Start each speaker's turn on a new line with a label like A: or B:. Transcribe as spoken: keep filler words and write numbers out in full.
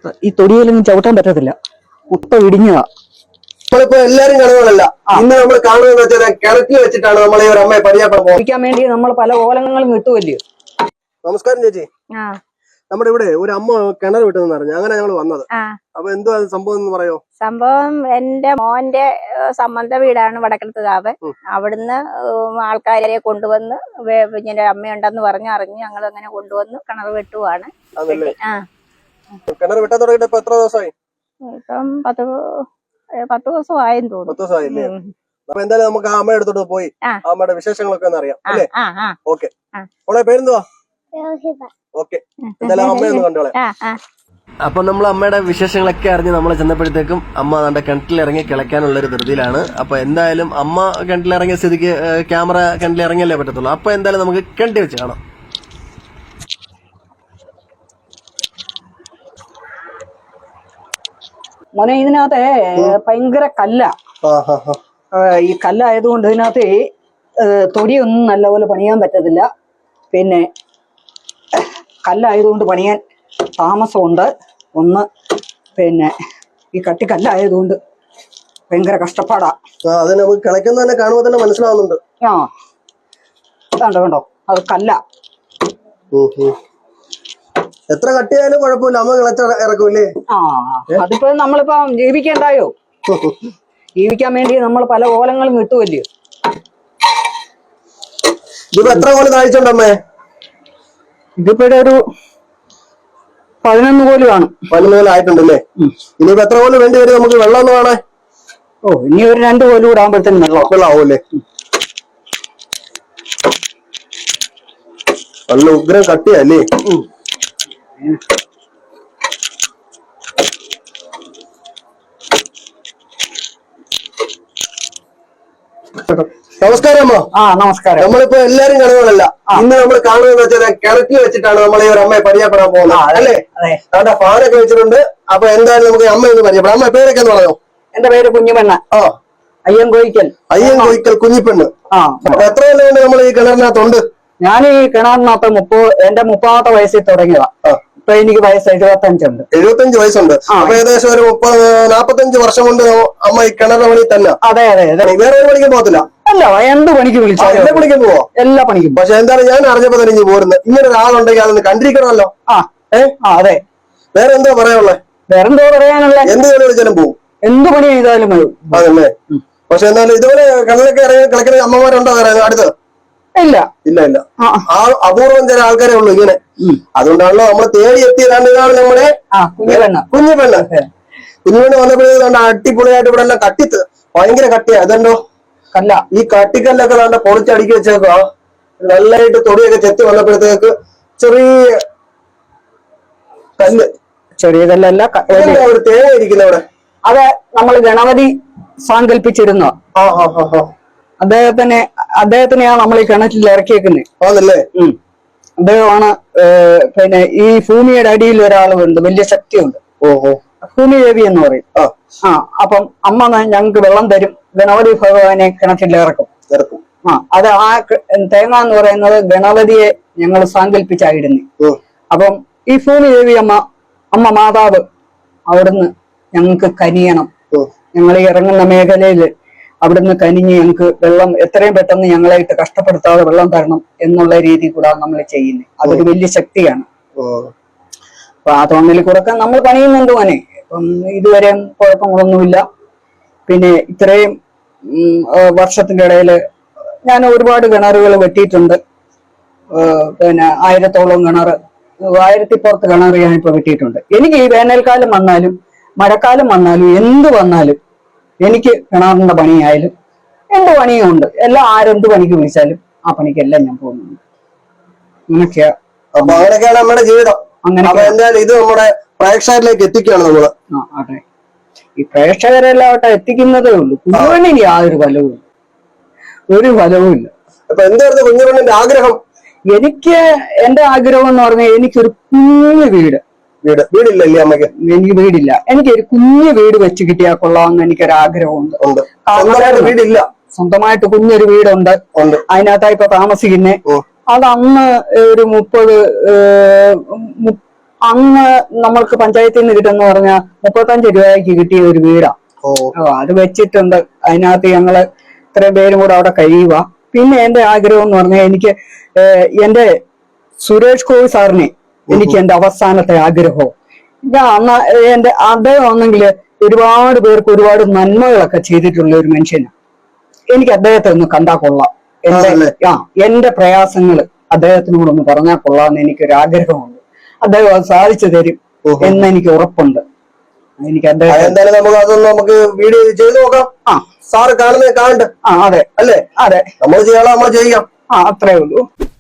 A: ഈ തൊടിയിലൊന്നും ചവിട്ടാൻ പറ്റത്തില്ല, മൊത്തം ഇടിഞ്ഞതാ.
B: നമ്മളിപ്പോ എല്ലാരും കണകളല്ല, ഇന്ന് നമ്മൾ കാണുന്നത് വെച്ചാൽ കിണറ്റിൽ വെച്ചിട്ടാണ് നമ്മൾ ഈ ഒരു അമ്മയെ പരിചയപ്പെടാൻ
A: വേണ്ടി നമ്മൾ പല ഓലങ്ങളും കിട്ടുമല്ലോ.
B: നമസ്കാരം ചേച്ചി. നമ്മുടെ ഇവിടെ ഒരു അമ്മ കിണർ വിട്ടെന്ന് പറഞ്ഞു, അങ്ങനെ ഞങ്ങൾ വന്നത്. അപ്പൊ എന്തോ സംഭവം എന്ന് പറയോ?
C: സംഭവം എന്റെ മോന്റെ സംബന്ധ വീടാണ് വടക്കലത്തുകാവ്. അവിടുന്ന് ആൾക്കാരെ കൊണ്ടുവന്ന് ഇങ്ങനെ അമ്മയുണ്ടെന്ന് പറഞ്ഞ് അറിഞ്ഞ് ഞങ്ങൾ അങ്ങനെ കൊണ്ടുവന്ന് കിണർ വെട്ടുവാണ്.
B: കിണർ വെട്ടാൻ തുടങ്ങിയിട്ട് ഇപ്പൊ എത്ര ദിവസമായി?
C: ഇപ്പം പത്ത് പത്ത് ദിവസം ആയെന്ന് തോന്നുന്നു.
B: പത്ത് ദിവസമായില്ലേ? അപ്പൊ എന്തായാലും നമുക്ക് ആ അമ്മയുടെ അടുത്തോട്ട് പോയി അമ്മയുടെ വിശേഷങ്ങളൊക്കെ ഒന്ന് അറിയാം അല്ലേ? ഓക്കെ. അവളെ പേരെന്തുവാ? ഓക്കെ, എന്തായാലും അമ്മയൊന്ന് കണ്ടോളെ. അപ്പൊ നമ്മൾ അമ്മയുടെ വിശേഷങ്ങളൊക്കെ അറിഞ്ഞ് നമ്മൾ ചെന്നപ്പോഴത്തേക്കും അമ്മ നമ്മുടെ കിണറ്റിലിറങ്ങി കിളയ്ക്കാനുള്ള ഒരു ധൃതിയിലാണ്. അപ്പൊ എന്തായാലും അമ്മ കിണറ്റിലിറങ്ങിയ സ്ഥിതിക്ക് ക്യാമറ കിണറ്റിലിറങ്ങിയല്ലേ പറ്റത്തുള്ളൂ. അപ്പൊ എന്തായാലും നമുക്ക് കിണറ്റി വെച്ച് കാണാം.
A: മോനെ, ഇതിനകത്തെ ഭയങ്കര കല്ല. ഈ കല്ലായതുകൊണ്ട് ഇതിനകത്ത് തൊടിയൊന്നും നല്ലപോലെ പണിയാൻ പറ്റത്തില്ല. പിന്നെ കല്ലായതുകൊണ്ട് പണിയാൻ താമസമുണ്ട്. ഒന്ന് പിന്നെ ഈ കട്ടിക്കല്ലായതുകൊണ്ട് ഭയങ്കര കഷ്ടപ്പാടാ.
B: അത് നമുക്ക് കിളയ്ക്കുന്ന തന്നെ കാണുമ്പോൾ തന്നെ മനസ്സിലാവുന്നുണ്ട്.
A: ആ കണ്ടോ കണ്ടോ, അത് കല്ല.
B: എത്ര കട്ടിയായാലും കുഴപ്പമില്ല, അമ്മ കിളച്ച ഇറക്കൂലേ?
A: ആ അതിപ്പോ നമ്മളിപ്പോ ജീവിക്കണ്ടായോ? ജീവിക്കാൻ വേണ്ടി നമ്മൾ പല ഓലങ്ങളും കിട്ടുമല്ലോ.
B: ഇതിപ്പോ എത്ര കോല് താഴ്ചയുണ്ടമ്മേ?
A: ഇതിപ്പോ ഒരു പതിനൊന്ന് കോല് കാണും.
B: പതിനൊന്ന് കോല് ആയിട്ടുണ്ടല്ലേ? ഇനിയിപ്പോ എത്ര കോല് വേണ്ടി വരും നമുക്ക് വെള്ളം ഒന്ന് കാണാൻ?
A: ഓ, ഇനി ഒരു രണ്ട് കോല് കൂടെ ആകുമ്പോഴത്തേനും വെള്ളം
B: വെള്ളമാവൂല്ലേ? നല്ല ഉഗ്രം കട്ടിയല്ലേ? നമസ്കാരം അമ്മ.
A: ആ നമസ്കാരം.
B: നമ്മളിപ്പോ എല്ലാരും കണകളല്ല, ഇന്ന് നമ്മൾ കാണുന്നത് വെച്ചാൽ കിണറ്റിൽ വെച്ചിട്ടാണ് നമ്മൾ ഈ ഒരു അമ്മയെ പരിചയപ്പെടാൻ പോകുന്നത് അല്ലേ? അവിടെ ഫാനൊക്കെ വെച്ചിട്ടുണ്ട്. അപ്പൊ എന്തായാലും നമുക്ക് അമ്മയൊന്ന് പരിചയപ്പെടാം. അമ്മ പേരൊക്കെ എന്ന് പറയാമോ?
A: എന്റെ പേര് കുഞ്ഞിപ്പെണ്ണ്. ആ അയ്യൻ കോയിക്കൽ.
B: അയ്യൻ കോയിക്കൽ കുഞ്ഞിപ്പെണ്ണ്. ആ എത്ര കൊല്ലം കൊണ്ട് നമ്മൾ ഈ കിണറിനകത്തുണ്ട്?
A: ഞാൻ ഈ കിണറിനകത്ത് മുപ്പത് എന്റെ മുപ്പതാമത്തെ വയസ്സിൽ തുടങ്ങിയതാ. ഇപ്പൊ എനിക്ക് വയസ്സ് എഴുപത്തഞ്ചുണ്ട്.
B: എഴുപത്തഞ്ച് വയസ്സുണ്ട്. അപ്പൊ ഏകദേശം ഒരു മുപ്പത് നാപ്പത്തഞ്ച് വർഷം കൊണ്ട് അമ്മ ഈ കിണറിന്റെ പണി തന്നെ.
A: അതെ അതെ അതെ.
B: വേറെ ഒരു പണിക്കും പോകത്തില്ല?
A: അല്ല, എന്ത് പണിക്ക് വിളിച്ചാലും
B: എല്ലാ പണിക്കും പോവോ? എല്ലാ പണിക്കും. പക്ഷെ എന്തായാലും ഞാൻ അറിഞ്ഞപ്പോ തന്നെ ഇനി പോരുന്നത് ഇങ്ങനെ ഒരാളുണ്ടെങ്കിൽ അതൊന്ന് കണ്ടിരിക്കണമല്ലോ. ആ ഏഹ് അതെ. വേറെ എന്തോ പറയാനുള്ളത്?
A: വേറെന്തോ പറയാനുള്ള? എന്ത് ജോലി വിളിച്ചാലും പോവും, എന്ത് പണി ചെയ്താലും മതി. അതല്ലേ?
B: പക്ഷെ എന്തായാലും ഇതുപോലെ കിണറിലൊക്കെ ഇറങ്ങി കളിക്കുന്ന അമ്മമാരുണ്ടോ വേറെ അടുത്ത്? ഇല്ല ഇല്ല ഇല്ല. ആ അപൂർവം ചില ആൾക്കാരെ ഉള്ളു ഇങ്ങനെ. അതുകൊണ്ടാണല്ലോ നമ്മൾ തേടി എത്തിയതാണ്. ഇതാണ് നമ്മുടെ കുഞ്ഞിപ്പെണ്ണ്. കുഞ്ഞിപ്പെണ്ണ് കുഞ്ഞിപ്പെണ്ണ് വന്നപ്പോഴേക്കും അടിപൊളിയായിട്ട് ഇവിടെ എല്ലാം കട്ടിത്ത് ഭയങ്കര കട്ടിയാ. അതെന്തോ കല്ല. ഈ കട്ടിക്കല്ലൊക്കെ നല്ല പൊളിച്ചടുക്കി വെച്ചേക്കോ. നല്ലതായിട്ട് തൊടിയൊക്കെ ചെത്തി വന്നപ്പോഴത്തേക്ക് ചെറിയ കല്ല്. ചെറിയ കല്ലല്ല, ഒരു തേങ്ങ ഇരിക്കുന്ന അവിടെ.
A: അത് നമ്മൾ ഗണപതി സാങ്കല്പിച്ചിരുന്നോ? അദ്ദേഹത്തിനെ അദ്ദേഹത്തിനെയാണ് നമ്മൾ ഈ കിണറ്റിൽ ഇറക്കിയേക്കുന്നത്. അതല്ലേ? ഉം അദ്ദേഹമാണ് പിന്നെ ഈ ഭൂമിയുടെ അടിയിൽ ഒരാളുണ്ട്, വലിയ ശക്തിയുണ്ട്. ഓഹോ, ഭൂമി ദേവി എന്ന് പറയും. ആ അപ്പം അമ്മ ഞങ്ങൾക്ക് വെള്ളം തരും, ഗണപതി ഭഗവാനെ കിണറ്റിൽ ഇറക്കും ഇറക്കും ആ അത് ആ തേങ്ങ എന്ന് പറയുന്നത് ഗണപതിയെ ഞങ്ങൾ സാങ്കല്പിച്ചായിരുന്നു. അപ്പം ഈ ഭൂമി ദേവി അമ്മ അമ്മ മാതാവ് അവിടുന്ന് ഞങ്ങൾക്ക് കനിയണം. ഞങ്ങൾ ഈ ഇറങ്ങുന്ന മേഖലയില് അവിടുന്ന് കനിഞ്ഞ് ഞങ്ങൾക്ക് വെള്ളം എത്രയും പെട്ടെന്ന് ഞങ്ങളായിട്ട് കഷ്ടപ്പെടുത്താതെ വെള്ളം തരണം എന്നുള്ള രീതി കൂടെ നമ്മൾ ചെയ്യുന്നത്. അതൊരു വലിയ ശക്തിയാണ്. അപ്പൊ ആ തോന്നലിൽ കൂടെ നമ്മൾ പണിയുന്നുണ്ട് മോനെ. ഇപ്പം ഇതുവരെ കുഴപ്പങ്ങളൊന്നുമില്ല. പിന്നെ ഇത്രയും വർഷത്തിന്റെ ഇടയില് ഞാൻ ഒരുപാട് കിണറുകൾ വെട്ടിയിട്ടുണ്ട്. പിന്നെ ആയിരത്തോളം കിണർ, ആയിരത്തി പുറത്ത് കിണർ ഞാനിപ്പോ വെട്ടിയിട്ടുണ്ട്. എനിക്ക് ഈ വേനൽക്കാലം വന്നാലും മഴക്കാലം വന്നാലും എന്ത് വന്നാലും എനിക്ക് കിണറിന്റെ പണിയായാലും എന്ത് പണിയും ഉണ്ട്. എല്ലാം ആരെന്ത് പണിക്ക് വിളിച്ചാലും ആ പണിക്കെല്ലാം ഞാൻ പോകുന്നുണ്ട്. അങ്ങനെയൊക്കെയാ.
B: അപ്പൊ അങ്ങനെയൊക്കെയാണ് നമ്മുടെ ജീവിതം. അങ്ങനെ എന്തായാലും ഇത് നമ്മുടെ പ്രേക്ഷകരിലേക്ക് എത്തിക്കുകയാണ് നമ്മള്.
A: ആ അതെ, ഈ പ്രേക്ഷകരെല്ലാം എത്തിക്കുന്നതേ ഉള്ളൂ. കുഞ്ഞുപെണ്ണിന് യാതൊരു ഫലവും ഒരു ഫലവും ഇല്ല.
B: അപ്പൊ എന്തായിരുന്നു കുഞ്ഞുപെണ്ണിന്റെ ആഗ്രഹം?
A: എനിക്ക് എന്റെ ആഗ്രഹം എന്ന് പറഞ്ഞാൽ എനിക്കൊരു കുഞ്ഞു വീട്.
B: വീട് വീടില്ലല്ലേ അമ്മയ്ക്ക്?
A: എനിക്ക് വീടില്ല. എനിക്ക് ഒരു കുഞ്ഞു വീട് വെച്ച് കിട്ടിയാൽ കൊള്ളാമെന്ന് എനിക്കൊരാഗ്രഹമുണ്ട്.
B: വീടില്ല,
A: സ്വന്തമായിട്ട് കുഞ്ഞൊരു വീടുണ്ട്. അതിനകത്താ ഇപ്പൊ താമസിക്കുന്നേ. അത് അന്ന് ഒരു മുപ്പത് അന്ന് നമ്മൾക്ക് പഞ്ചായത്തിൽ നിന്ന് കിട്ടുന്ന പറഞ്ഞാൽ മുപ്പത്തഞ്ച് രൂപയ്ക്ക് കിട്ടിയ ഒരു വീടാ. ഓ അത് വെച്ചിട്ടുണ്ട്. അതിനകത്ത് ഞങ്ങള് ഇത്രയും പേരും കൂടെ അവിടെ കഴിയുക. പിന്നെ എന്റെ ആഗ്രഹം എന്ന് പറഞ്ഞാൽ എനിക്ക് എന്റെ സുരേഷ് ഗോപി സാറിനെ എനിക്ക് എന്റെ അവസാനത്തെ ആഗ്രഹവും ഞാൻ അന്ന് എന്റെ അദ്ദേഹം ആണെങ്കിൽ ഒരുപാട് പേർക്ക് ഒരുപാട് നന്മകളൊക്കെ ചെയ്തിട്ടുള്ള ഒരു മനുഷ്യനാണ്. എനിക്ക് അദ്ദേഹത്തെ ഒന്ന് കണ്ടാൽ കൊള്ളാം. എന്റെ ആ എന്റെ പ്രയാസങ്ങൾ അദ്ദേഹത്തിനോട് ഒന്ന് പറഞ്ഞാൽ കൊള്ളാമെന്ന് എനിക്കൊരു ആഗ്രഹമുണ്ട്. അദ്ദേഹം അത് സാധിച്ചു തരും എന്ന് എനിക്ക് ഉറപ്പുണ്ട്. എനിക്ക് അദ്ദേഹം
B: എന്തായാലും നമുക്ക് അതൊന്ന് നമുക്ക് വീഡിയോ ചെയ്ത് നോക്കാം. ആ സാറ് കാണുന്നത് കാണട്ടെ.
A: ആ അതെ
B: അല്ലേ?
A: അതെ,
B: നമ്മൾ ചെയ്യാനുള്ള നമ്മൾ ചെയ്യാം.
A: ആ അത്രേ ഉള്ളൂ.